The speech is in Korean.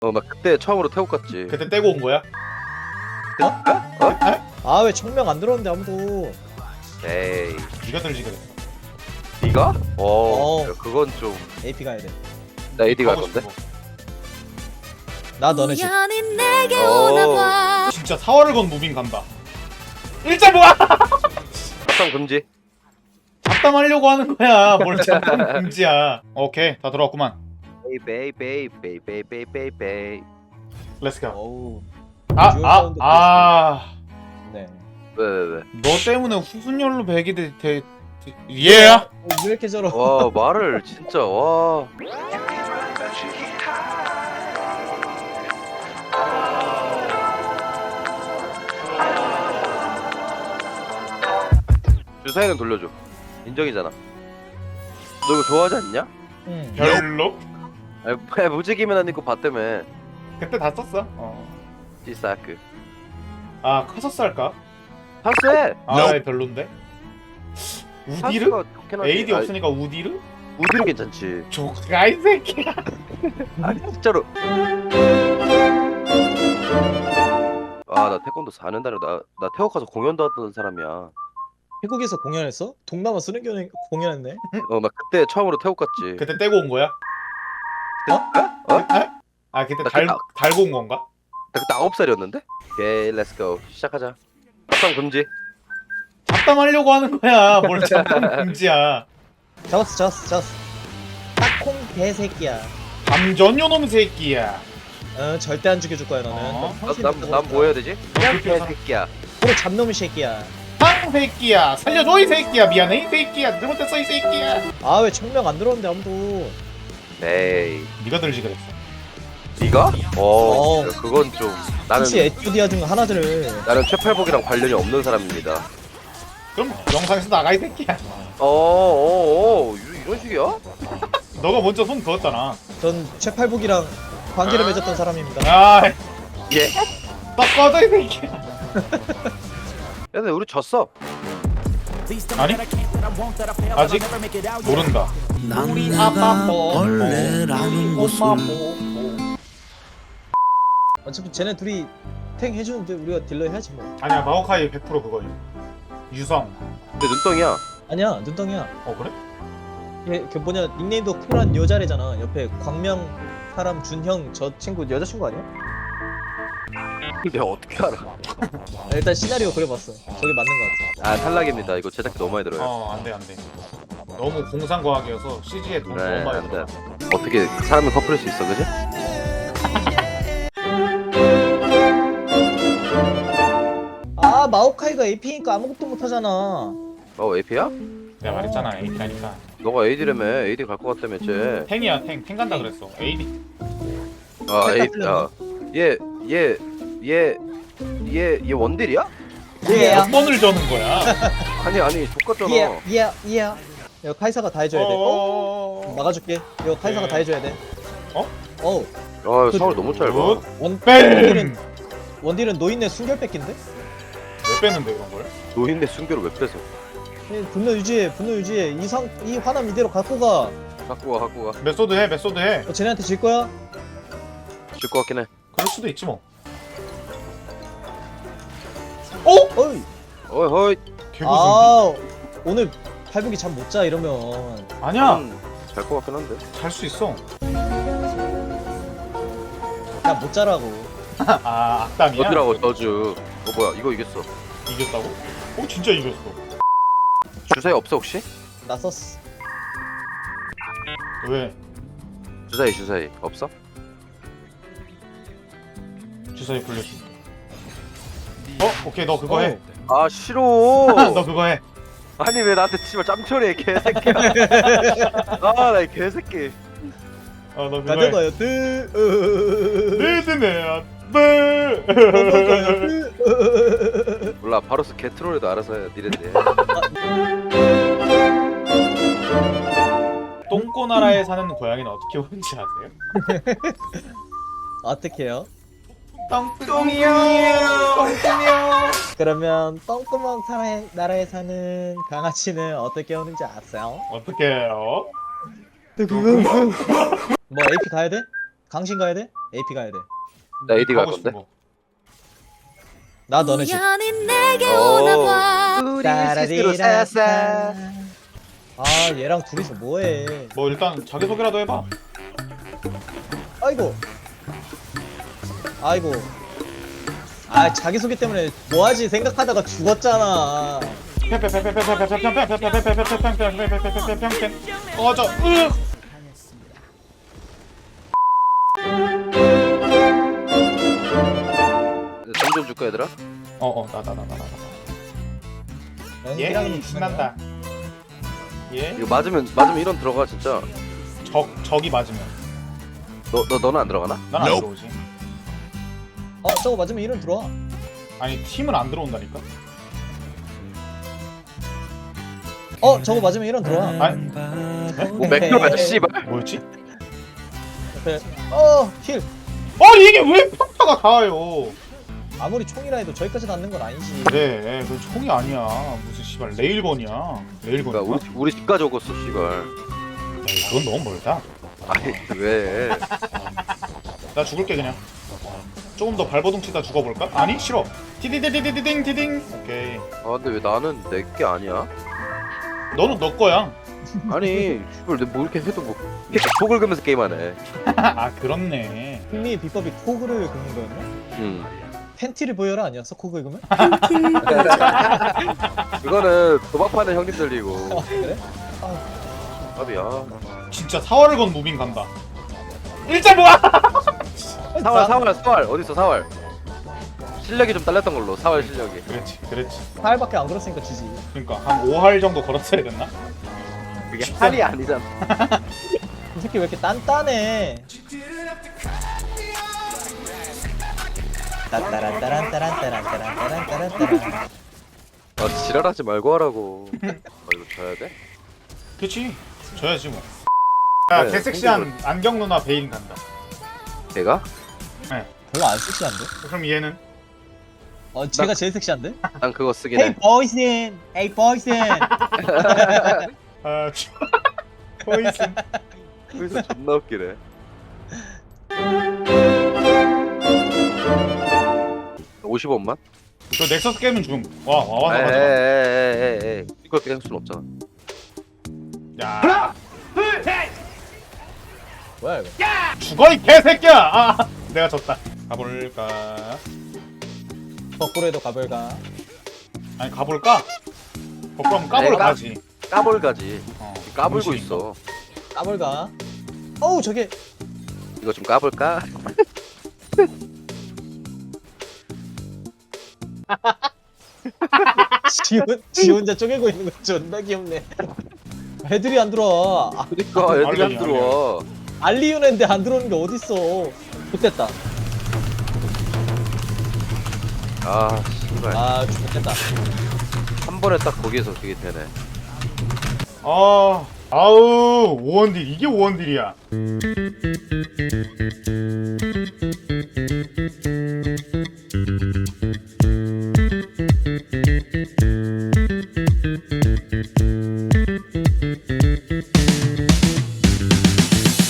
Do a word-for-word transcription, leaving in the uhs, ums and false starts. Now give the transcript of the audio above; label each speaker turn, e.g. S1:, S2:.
S1: 어, 막 그때 처음으로 태국 갔지.
S2: 그때 떼고 온 거야?
S3: 아 왜 청명 안 들었는데 아무도.
S1: 에이,
S2: 네가 들지 그랬어.
S1: 네가? 어,
S3: 어.
S1: 야, 그건 좀.
S3: 에이피 가야 돼.
S1: 나 에이디 갈
S2: 가고
S1: 건데.
S2: 싶어.
S3: 나 너네 집.
S1: 어,
S2: 진짜 사활을 건 무빙 간다. 일자 모아!
S1: 합성 금지.
S2: 잡담하려고 하는 거야. 뭘 잡담 금지야. 오케이, 다 들어왔구만.
S1: 베이 베이 베이 베이 베이 베이 베이.
S2: 렛츠고.
S3: 어우.
S2: 아,
S3: 듀얼
S2: 아,
S3: 사운드
S2: 아.
S3: 네.
S1: 왜왜 왜?
S2: 너 때문에 후순열로 백이 돼. 돼. 예.
S3: 어, 왜 이렇게 저러?
S1: 와 말을 진짜 와. 주사위는 돌려줘. 인정이잖아. 너 이거 좋아하지 않냐?
S3: 응.
S2: 별로?
S1: 아니 왜 무지개면 아니고 봤다며.
S2: 그때 다 썼어. 어.
S1: 찌사크.
S2: 아, 카서스 할까?
S1: 파스해.
S2: 아, 별론데. 우디르?
S1: 파스가 좋긴 하지.
S2: 에이디
S1: 아니,
S2: 없으니까 우디르?
S1: 우디르 괜찮지.
S2: 조가 이 새끼야.
S1: 아니 진짜로. 아 나 태권도 사 년 다녀. 나나 태국 가서 공연도 하던 사람이야.
S3: 태국에서 공연했어? 동남아 수련교 공연했네.
S1: 어 막 그때 처음으로 태국 갔지.
S2: 그때 떼고 온 거야?
S1: 어? 어?
S2: 에? 아, 그때
S1: 나
S2: 달
S1: 그때-
S2: 달고 온 건가?
S1: 나 그때 아홉 살이었는데? 오케이 렛츠고 시작하자. 합성 금지.
S2: 잡담하려고 하는 거야. 뭘 잡담 금지야.
S3: 잡았어, 잡았어, 잡았어. 딱콩 개새끼야.
S2: 감전요 놈 새끼야.
S3: 어, 절대 안 죽여줄 거야 너는.
S2: 어?
S1: 난난 뭐 해야 되지? 그냥
S2: 그렇게 해서-
S1: 개새끼야.
S3: 바로 잡놈의 새끼야.
S2: 상 새끼야. 살려줘 이 새끼야. 미안해 이 새끼야. 잘못했어 이 새끼야.
S3: 아 왜 청명 안 들었는데 아무도.
S1: 에이
S2: 네가 들지 그랬어.
S1: 네가? 어,
S3: 어.
S1: 야, 그건 좀 나는
S3: 혹시 에투디아 중 하나들을.
S1: 나는 최팔복이랑 관련이 없는 사람입니다.
S2: 그럼 영상에서 나가 이 새끼야.
S1: 어어어 이런 식이야?
S2: 너가 먼저 손 그었잖아.
S3: 전 최팔복이랑 관계를 맺었던 사람입니다.
S2: 아,
S1: 예.
S2: 딱 꺼져 이 새끼야.
S1: 야, 근데 우리 졌어.
S2: 아니? 아직 모른다. 우리 아빠 벌레라는 것은
S3: 어차피 쟤네 둘이 탱 해주는데 우리가 딜러 해야지 뭐.
S2: 아니야, 마오카이 백 퍼센트 그거야. 유성.
S1: 근데 눈덩이야.
S3: 아니야 눈덩이야.
S2: 어 그래?
S3: 얘 그 뭐냐 닉네임도 쿨한 여자래잖아. 옆에 광명 사람 준형 저 친구 여자친구 아니야?
S1: 내가 어떻게 알아?
S3: 아, 일단 시나리오 그려봤어. 저게 맞는 것 같아.
S1: 아 탈락입니다. 이거 제작비 너무 많이 들어요.
S2: 어, 안 돼, 안 돼. 너무 공상과학이어서 씨지에 돈
S1: 그래
S2: 너무 많이
S1: 안
S2: 들어.
S1: 돼. 어떻게 사람을 커플할 수 있어, 그지?
S3: 아 마오카이가 에이피니까 아무것도 못하잖아.
S1: 어 에이피야?
S2: 내가 말했잖아, 에이피라니까.
S1: 너가 에이디라며. 에이디 갈 것 같다며 쟤.
S2: 탱이야, 탱. 탱 간다 그랬어. 에이디.
S1: 아 에이
S3: 틀렸네.
S1: 야얘얘얘얘얘 원딜이야?
S3: 예.
S2: 몇 번을 저는 거야?
S1: 아니 아니 족같잖아.
S3: 예, 예, 예. 이거 카이사가 다 해줘야 돼. 어?
S2: 어.
S3: 막아줄게. 이거 카이사가
S2: 네.
S3: 다 해줘야 돼.
S2: 어?
S3: 어우.
S1: 아 서울 너무 짧아.
S2: 굿.
S3: 원
S2: 뺑!
S3: 원딜은 원딜은 노인네 순결 뺏긴데?
S2: 왜 빼는데 이런 걸?
S1: 노인네 순교를 왜 뺏어?
S3: 예, 분노 유지해, 분노 유지해. 이상 이 화남 이대로 갖고 가.
S1: 갖고 가 갖고 가.
S2: 메소드 해, 메소드 해.
S3: 어, 쟤네한테 질 거야?
S1: 질 것 같긴 해.
S2: 그럴 수도 있지 뭐. 어?
S3: 어이.
S1: 어이 허이.
S2: 개구승.
S3: 아 오늘 팔복이 잠 못 자 이러면
S2: 아니야,
S1: 잘것 같긴 한데.
S2: 잘 수 있어.
S3: 그냥 못 자라고.
S2: 아, 악담이야?
S1: 저주라고 저주. 어 뭐야 이거 이겼어.
S2: 이겼다고? 어, 진짜 이겼어.
S1: 주사위 없어 혹시?
S3: 나 썼어.
S2: 왜?
S1: 주사위 주사위 없어?
S2: 주사위 불려줄게. 어? 오케이, 너 그거 해.
S1: 아 싫어.
S2: 너 그거 해.
S1: 아니 왜 나한테 씨발 짬처리해 개새끼야. 아나 개새끼.
S2: 어, 너 그거 해.
S3: 가져가요. 뜨.
S2: 리드네, 네.
S3: 가져가요. 뜨.
S1: 몰라 바로스 개트롤에도 알아서 해 니네들.
S2: 똥꼬나라에 사는 고양이는 어떻게 오는지 아세요?
S3: 어떡해요?
S2: 똥똥이요. 똥똥이요.
S3: 그러면 똥구멍 사나이- 나라에 사는 강아지는 어떻게 오는지 아세요?
S2: 어떻게 해요?
S3: 뭐 에이피 가야 돼? 강신 가야 돼? 에이피 가야 돼?
S1: 나 에이디 갈
S2: 하고 싶은
S1: 건데.
S2: 거.
S3: 나 너네 집.
S4: 우연히 내게
S1: 오.
S4: 오나봐.
S1: 우리 시스루 싸싸.
S3: 아 얘랑 둘이서 뭐해?
S2: 뭐 일단 자기소개라도 해봐.
S3: 아이고. 아이고. 아 자기소개 때문에 뭐하지 생각하다가 죽었잖아.
S2: 꺼져. 으.
S1: 점점 줄까 얘들아?
S2: 어어 나 나 나 나 나.
S3: 연기랑은
S2: 예 신난다. 예.
S1: 이거 맞으면 맞으면 이런 들어가 진짜.
S2: 적 적이 맞으면
S1: 너 너 너는 안 들어가나?
S2: 난 안 들어오지.
S3: 어 저거 맞으면 이름 들어와.
S2: 아니 팀은 안 들어온다니까.
S3: 어 저거 맞으면 이름 들어와.
S2: 아니
S1: 뭐 맥주야 씨발.
S2: 뭐였지?
S3: 옆에 어 힐.
S2: 아니 이게 왜 평타가 닿아요?
S3: 아무리 총이라 해도 저기까지 닿는 건 아니지.
S2: 그래, 그 총이 아니야. 무슨 씨발 레일건이야. 레일건.
S1: 그러니까 우리 우리 집까지 오겠어 씨발.
S2: 그건 너무 멀다.
S1: 아니 왜?
S2: 나 죽을게 그냥. 조금 더 발버둥 치다 죽어볼까? 아니 싫어. 티디디디디딩 티딩. 오케이.
S1: 아 근데 왜 나는 내 게 아니야?
S2: 너는 너 거야.
S1: 아니 씨발 내뭐 이렇게 해도 뭐 이렇게 속을 긁으면서 게임하네.
S2: 아 그렇네.
S3: 승리의 비법이 코그를 긁는 거였나?
S1: 응.
S3: 팬티를 보여라 아니었어? 코 긁으면?
S1: 그거는 도박파는 형님들이고.
S3: 아, 그래?
S1: 아비야.
S2: 진짜 사활을 건 무빙 간다. 일자 모아.
S1: 사월 사월 사월 어디 있어 사월? 실력이 좀 딸렸던 걸로 사월 실력이.
S2: 그렇지, 그렇지.
S3: 팔밖에 안 걸었으니까 지지.
S2: 그러니까 한 오 할 정도 걸었어야 됐나?
S1: 그게 할이 아니잖아.
S3: 이 새끼 왜 이렇게 단단해? 따따란따란따란따란따란따란따란따란.
S1: 아 지랄하지 말고 하라고. 아 이거 져야 돼?
S2: 그렇지. 져야지 뭐. 야,
S1: 네,
S2: 개섹시한 안경 누나 베인 간다.
S1: 내가?
S3: 별로 안 섹시한데?
S2: 그럼 얘는?
S3: 어 제가 제일 섹시한데?
S1: 난 그거 쓰긴
S3: Hey
S1: 해.
S3: boysin, hey boysin.
S2: 아, 보이슨.
S1: 여기서 존나 웃기네. 오십 원만?
S2: 저 넥서스 게임은 중. 와, 와, 와서 가자.
S1: 에에에에에 이걸 뺄 수는 없잖아.
S2: 야,
S3: 뭐야 이거?
S2: 죽어 이 개새끼야. 아, 내가 졌다. 가볼까?
S3: 거꾸로 해도 가볼까?
S2: 아니 가볼까? 거꾸로 하면 까보러
S1: 내가?
S2: 가지.
S1: 까불가지.
S2: 어,
S1: 까불고
S2: 정신이
S1: 있어.
S3: 까볼까? 어우 저게
S1: 이거 좀 까불까?
S3: 지, 혼- 지 혼자 쪼개고 있는 거 존나 귀엽네. 애들이 안 들어와. 아,
S1: 그니까 애들이 안
S2: 알리,
S1: 들어와.
S3: 알리오는데 안 들어오는 게 어딨어? 좋됐다.
S1: 아 씨발.
S3: 아 좋됐다.
S1: 한 번에 딱 거기에서 그게 되네.
S2: 아, 아우 오원딜 이게 오원딜이야.